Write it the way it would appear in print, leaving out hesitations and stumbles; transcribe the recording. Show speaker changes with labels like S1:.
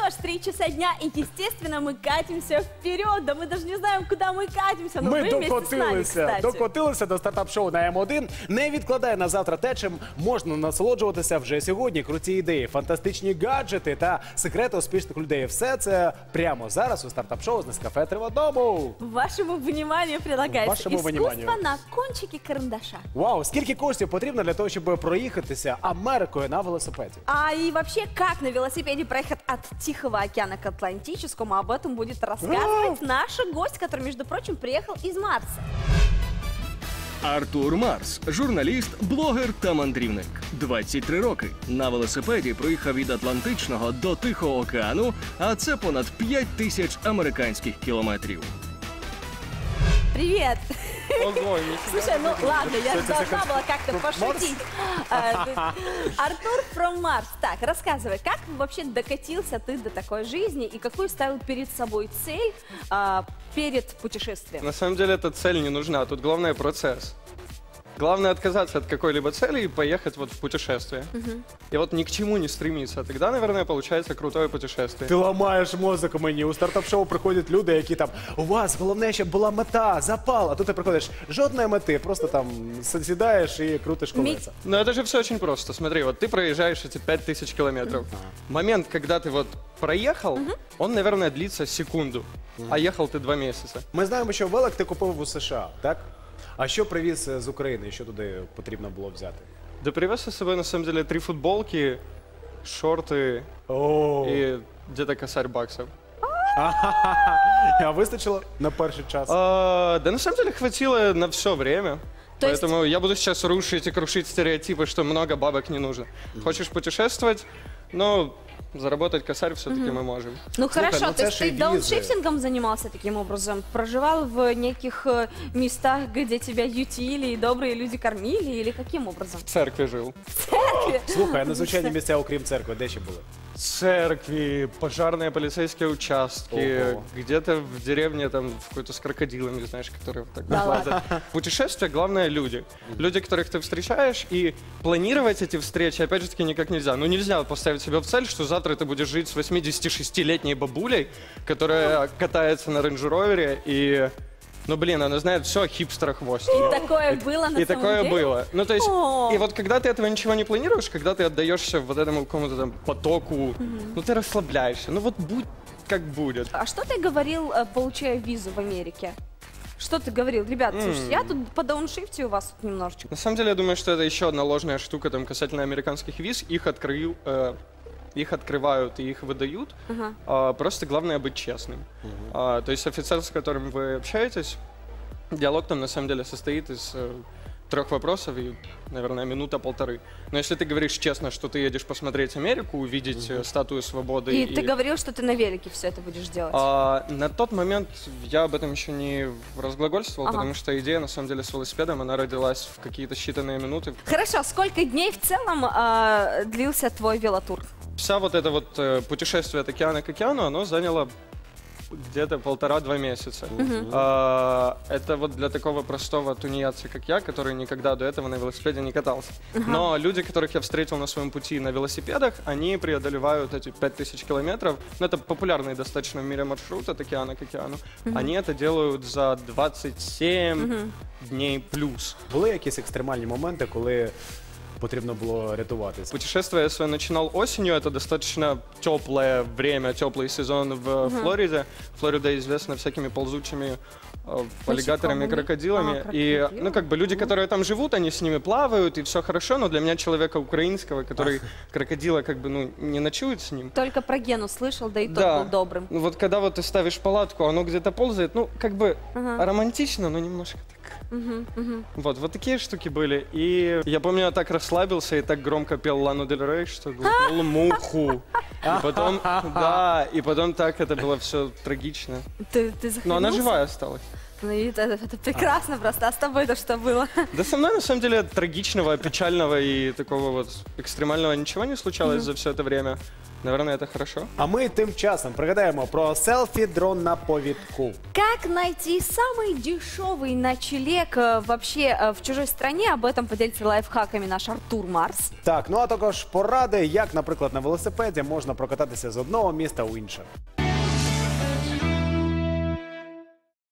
S1: аж 3 часа дня, и, естественно, мы катимся вперед. Да мы даже не знаем, куда мы катимся, но
S2: Ми
S1: вы вместе с нами, кстати.
S2: докотилися до стартап-шоу на М1. Не відкладай на завтра те, чим можна насолоджуватися вже сьогодні. Круті ідеї, фантастичні гаджети та секрети успішних людей. Все це прямо зараз у стартап-шоу з Нескафе Триводому.
S1: Вашему вниманию предлагается
S2: Вашему
S1: искусство
S2: вниманию.
S1: на кончике карандаша.
S2: Вау, скільки коштів потрібно для того, щоб проїхатися Америкою на велосипеді?
S1: А и вообще, как на велосипеде проехать от Тихого океана к Атлантическому, об этом будет рассказывать наш гость, который, между прочим, приехал из Марса.
S3: Артур Марс – журналіст, блогер та мандрівник. 23 роки. На велосипеді проїхав від Атлантичного до Тихого океану, а це понад 5000 американських кілометрів.
S1: Привет!
S4: Ого,
S1: Слушай, ну ладно, я же должна была как-то пошутить. Артур from Mars. Так, рассказывай, как вообще докатился ты до такой жизни и какую ставил перед собой цель перед путешествием?
S4: На самом деле эта цель не нужна, тут главное процесс. Главное отказаться от какой-либо цели и поехать вот в путешествие. И вот ни к чему не стремиться. Тогда, наверное, получается крутое путешествие.
S2: Ти ламаєш мозок мені. У стартап-шоу приходять люди, які там, у вас головне, щоб була мета, запал. А тут ти приходиш, жодної мети, просто там сідаєш і крутиш колеса.
S4: Но это же все очень просто. Смотри, вот ты проезжаешь эти 5000 километров. Момент, когда ты вот проехал, он, наверное, длится секунду. А ехал ты 2 месяца.
S2: Ми знаємо, що велик ти купив у США, так? А що привіз з України, що туди потрібно було взяти?
S4: Да привез я с собой, на самом деле, 3 футболки, шорты и где-то косарь баксов.
S2: А вистачило на перший час?
S4: Да на самом деле хватило на все время.
S1: То есть-
S4: Поэтому я буду сейчас рушить и крушить стереотипы, что много бабок не нужно. Хочешь путешествовать, но заработать косарь все-таки мы можем.
S1: Ну хорошо,
S2: ну
S1: то
S2: це
S1: есть
S2: ж
S1: ты
S2: і візи.
S1: дауншифтингом занимался таким образом? Проживал в неких местах, где тебя ютили и добрые люди кормили? Или каким образом?
S4: В церкви жил.
S2: Слухай, а незвичайні місця, окрім церкви, де ще були?
S4: Церкви, пожарные, полицейские участки,
S2: Ого.
S4: где-то в деревне там в какой-то с крокодилами, знаешь, которые вот так
S1: Да
S4: лазят. Путешествие, главное, люди. Люди, которых ты встречаешь, и планировать эти встречи, опять же таки, никак нельзя. Ну, нельзя поставить себе в цель, что завтра ты будешь жить с 86-летней бабулей, которая катается на рейндж-ровере, и... Ну, блин, она знает все о хипстерах-хвост.
S1: И такое было на
S4: И
S1: самом
S4: такое
S1: деле?
S4: было. Ну, то есть,
S1: О.
S4: и вот когда ты этого ничего не планируешь, когда ты отдаешься вот этому какому-то там потоку, ну, ты расслабляешься. Ну, вот будь как будет.
S1: А что ты говорил, получая визу в Америке? Что ты говорил? Ребят, слушайте, я тут по дауншифте у вас тут немножечко.
S4: На самом деле, я думаю, что это еще одна ложная штука там касательно американских виз. Их открывают и их выдают. Просто главное быть честным. То есть офицер, с которым вы общаетесь, диалог там на самом деле состоит из 3 вопросов и, наверное, минута-полторы. Но если ты говоришь честно, что ты едешь посмотреть Америку, увидеть статую свободы...
S1: И ты говорил, что ты на велике все это будешь делать.
S4: На тот момент я об этом еще не разглагольствовал,
S1: Ага.
S4: потому что идея, на самом деле, с велосипедом, она родилась в какие-то считанные минуты.
S1: Хорошо, сколько дней в целом длился твой велотур?
S4: Вся вот это вот путешествие от океана к океану, оно заняло где-то 1,5-2 месяца. Это вот для такого простого тунеядца, как я, который никогда до этого на велосипеде не катался. Но люди, которых я встретил на своем пути на велосипедах, они преодолевают эти 5000 километров. Ну, это популярный достаточно в мире маршрут от океана к океану. Они это делают за 27 дней плюс.
S2: Були якісь екстремальні моменти, коли потрібно було рятуватися?
S4: Путешествие я свое начинал осенью, это достаточно теплое время, теплый сезон в Флориде. Флорида известна всякими ползучими аллигаторами, крокодилами. И, ну, как бы люди, которые там живут, они с ними плавают, и все хорошо, но для меня, человека украинского, который крокодила, как бы, ну, не ночует с ним.
S1: Только про Гену слышал, да и тот
S4: Да.
S1: был добрым.
S4: Ну, вот когда вот ты ставишь палатку, оно где-то ползает, ну, как бы романтично, но немножко так. Вот такие штуки были. И я помню, я так расслабился и так громко пел Лану Дель Рей, что глотнул муху. И потом, да, и потом так это было все трагично.
S1: Ты
S4: Но она
S1: захлебнулся?
S4: живая осталась.
S1: Ну, и это прекрасно просто. А с тобой-то что было?
S4: Да со мной, на самом деле, трагичного, печального и такого вот экстремального ничего не случалось за все это время. наверное, это хорошо.
S2: А ми тим часом пригадаємо про селфі-дрон на повідку.
S1: Как найти самый дешевый ночлег вообще в чужой стране? Об этом поделится лайфхаками наш Артур Марс.
S2: Так, ну а також поради, як, наприклад, на велосипеді можна прокататися з одного міста у інше.